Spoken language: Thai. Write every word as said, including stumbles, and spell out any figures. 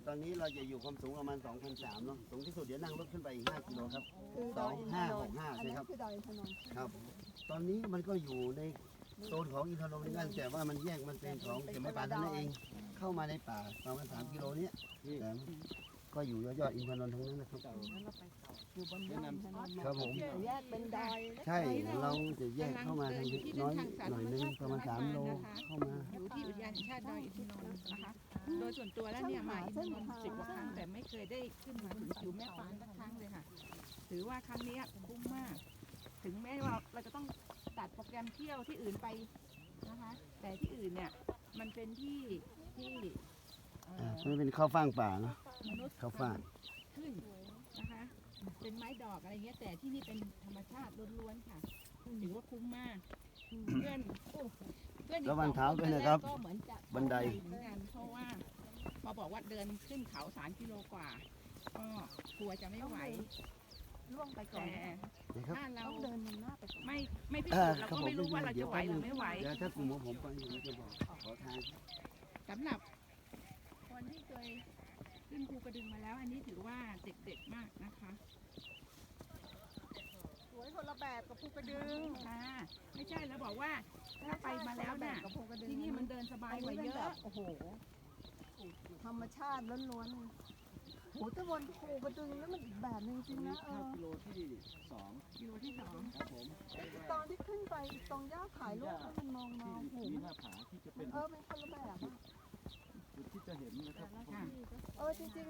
ตอนนี้เราจะอยู่ความสูงประมาณ สองพันสามร้อย เนาะสูงที่สุดเดี๋ยวนั่งรถขึ้นไปอีก ห้า กิโลครับคือดอยอินทนนท์สองห้าหกห้าอันใช่นั้ครับนคือดอยอินทนนท์ครับ ตอนนี้มันก็อยู่ในโซนของอินทนนท์เหมือนกันแต่ว่ามันแยกมันเป็นของเก็บไม้ป่าเท่านั้นเอง เข้ามาในป่าประมาณสามกิโลเนี้ยแต่ก็อยู่ยอดๆอินทนนท์ทั้งนั้นนะครับอยู่บนยอดอินทนนท์ครับผมแต่แยกเป็นดอยใช่เราจะแยกเข้ามาทางนี้น้อยหน่อยนึงประมาณสามโลเข้ามาอยู่ที่อุทยานแห่งชาติดอยอินทนนท์นะคะ โดยส่วนตัวแล้วเนี่ยมาอินทนนท์สิบกว่าครั้งแต่ไม่เคยได้ขึ้นมาถึงผิวแม่ฟ้าสักครั้งเลยค่ะ ถือว่าครั้งนี้คุ้มมาก ถึงแม้ว่าเราจะต้องตัดโปรแกรมเที่ยวที่อื่นไปนะคะ แต่ที่อื่นเนี่ยมันเป็นที่ที่เอ่อ่าอมันเป็นข้าวฟ่างป่าเนาะมนุษย์ข้าวฟ่างขึ้นนะคะ เป็นไม้ดอกอะไรเงี้ยแต่ที่นี่เป็นธรรมชาติล้วนๆค่ะถือว่าคุ้มมาก เพื่อนโอ้เพื่อนอีกระวังสองเท้าคนด้วยนะครับก็เหมือนจะบันไดเหมือนกันเพราะว่าพอบอกว่าเดินขึ้นเขาสามกิโลกว่า ก็กลัวจะไม่ไหวล่วงไปก่อนแต่นะครับถ้าเราต้องเดินนำหน้าไปก่อนไม่ไม่พิเอสูอจน์เราครับก็ผมไม่รู้ว่าเราจะไหวหรือไม่ไหวเดี๋ยวถ้ากลุ่มของผมไปผมจะบอกขอทางสำหรับคนที่เคยขึ้นภูกระดึงมาแล้ว อันนี้ถือว่าเด็กๆมากนะคะสวยคนละแบบกับภูกระดึงค่ะไม่ใช่แล้วบอกว่าถ้าไปมาแล้วน่ะกับภูกระดึงที่นี่มันเดินสบายกว่าเยนนี้ป็นแบอะบโอ้โหธรรมชาติล้วนๆโหแตะวันภูกระดึงแล้วมันอีกแบบหนึงจริงนะเออกิโลที่สองอยู่ที่สองครับผมตอนที่ขึ้นไปตรงย่าถ่ายรูปแล้วมันมองมองโหที่มันหน้าผาที่จะมัเป็น นเออเป็นคนละแบบอะจุดที่จะเห็นนะครับค่ะเออจริงๆ